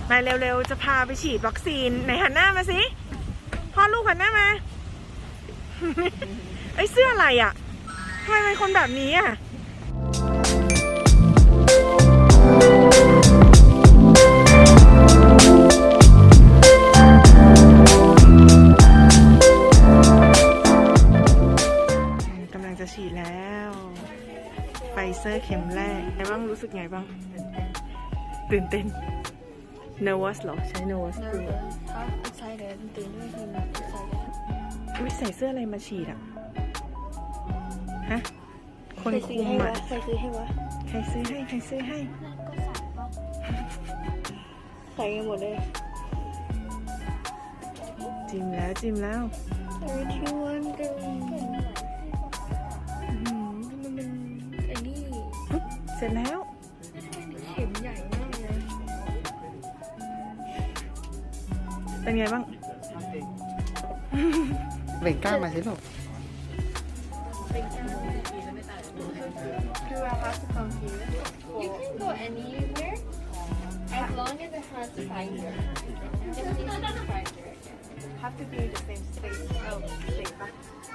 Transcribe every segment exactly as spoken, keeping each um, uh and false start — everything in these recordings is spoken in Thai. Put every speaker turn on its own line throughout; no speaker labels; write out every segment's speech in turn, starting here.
มาเร็วๆจะพาไปฉีดวัคซีนไหนหันหน้ามาสิพ่อลูกหันหน้ามา ไอ้เสื้ออะไรอ่ะทำไมเป็นคนแบบนี้อ่ะกำลังจะฉีดแล้วไฟเซอร์เข็มแรกไงบ้างรู้สึกไงบ้างตื่นเต้น nervous เหรอใช้ nervous คือ
excited ตื่นเต้น excited
วิใส่เสื้ออะไรมาฉีดอ่ะฮะคนคุมอ่ะ
ใครซื้อให้วะ
ใครซื้อให้ใครซื้อให้
ใส่กันหมดเลย
จิ้มแล้วจิ้มแล้ว
ไอ้ที่วันกันมันเป็นไอ้นี่
เสร็จแล้ว
เข็มใหญ่มากเลย
เป็นไงบ้าง
เบ่งกล้ามาสิลูก
Do I have to come here? You can go anywhere as long as it has fiber. Just need some fiber.
have to be in the same state oh state ปะ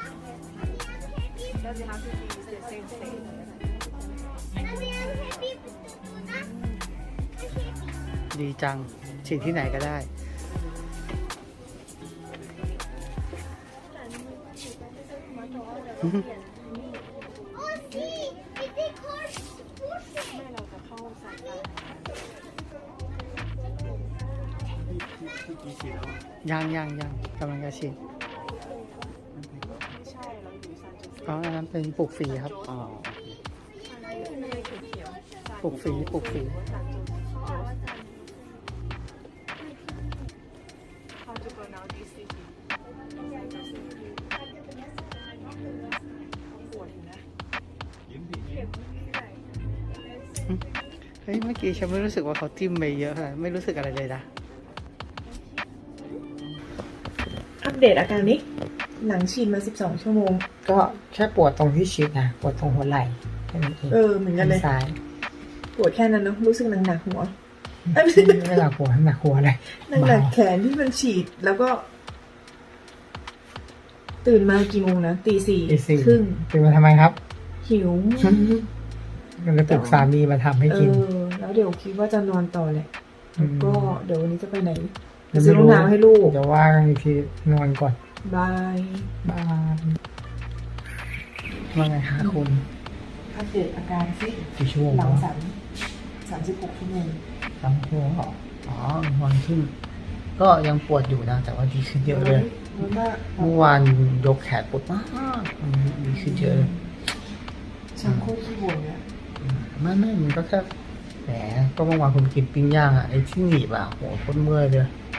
does it have to be the same state
ดีจังฉีดที่ไหนก็ได้ ยังยังยังกำลังจะฉีดอ๋ออันนั้นเป็นปลูกฝีครับอ๋อปลูกฝีปลูกฝีเฮ้ยเมื่อกี้ฉันไม่รู้สึกว่าเขาจิ้มไปเยอะขนาดไม่รู้สึกอะไรเลยนะ
อัปเดตอาการนี้หลังฉีดมาสิบสองชั่วโมง
ก็แค่ปวดตรงที่ฉีดนะปวดตรงหัวไหล่แค่นั้นเอง
เออเหมือนกันเลย
ซ้าย
ปวดแค่นั้นเนาะรู้สึกหนักๆหัว
ไม่หนักหัวหนักหัวอะไร
หนักๆแขนที่มันฉีดแล้วก็ ตื่นมากี่โมงนะตีสี่ครึ่ง
ตื่นมาทำไมครับ
หิว
มันจะปลุกสามีมาทำให้
เอ
กิน
อแล้วเดี๋ยวคิดว่าจะนอนต่อแหละแล้วก็เดี๋ยววันนี้จะไปไหน
ยัง
ซื้
ไม่
อรอง
รู้
เท้าให้ลูก
เดี๋ยวว่ากันอีกทีนอนก่อน
บาย
บายว่าไงฮะคุณ
อัปเดตอาการสิ
กี่ชั่วโมง
หลังสามสามสิบหกชั่วโมง
สามชั่วโมงเหรออ๋อวันขึ้น ก็ยังปวดอยู่นะ แต่ว่าดีขึ้นเยอะเลย
แล้วก็
เมื่อวานยกแขนปวดมากวันนี้ดีขึ้นเยอะเลย
ฉันโคตรขี้บ่นเลย
ไม่ไม่มันก็แค่แหมก็เมื่อวานคุณกินปิ้งย่างอ่ะไอ้ที่หนีบอ่ะโหโคตรเมื่อยเลย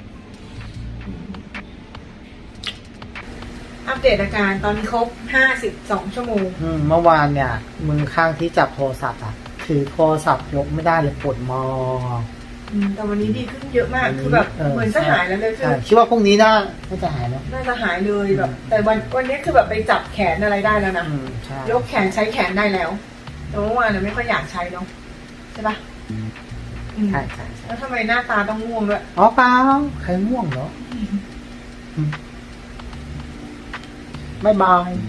อัปเดตอาการตอนนี้ครบห้าสิบสองชั่วโมง
อืมเมื่อวานเนี่ยมือข้างที่จับโทรศัพท์อ่ะถือโทรศัพท์ยกไม่ได้เลยปวดมอ
อืมแต่วันนี้ดีขึ้นเยอะมากคือแบบเหมือนจะหายแล้วเลยคือ
ใช่คิดว่าพรุ่งนี้น่าน่าจะหายแล้ว
น่าจะหายเลยแบบ แต่วันวันนี้คือแบบไปจับแขนอะไรได้แล้วนะ
อืมใช่
ยกแขนใช้แขนได้แล้วแต่เมื่อวานน่ะไม่ค่อยอยากใช้เนาะใช่ปะอืม
ใช่ใช่ใช่
แล้วทำไมหน้าตาต้องง่วงด้วย
อ๋อเปล่าใครง่วงเหรออืมบ๊ายบาย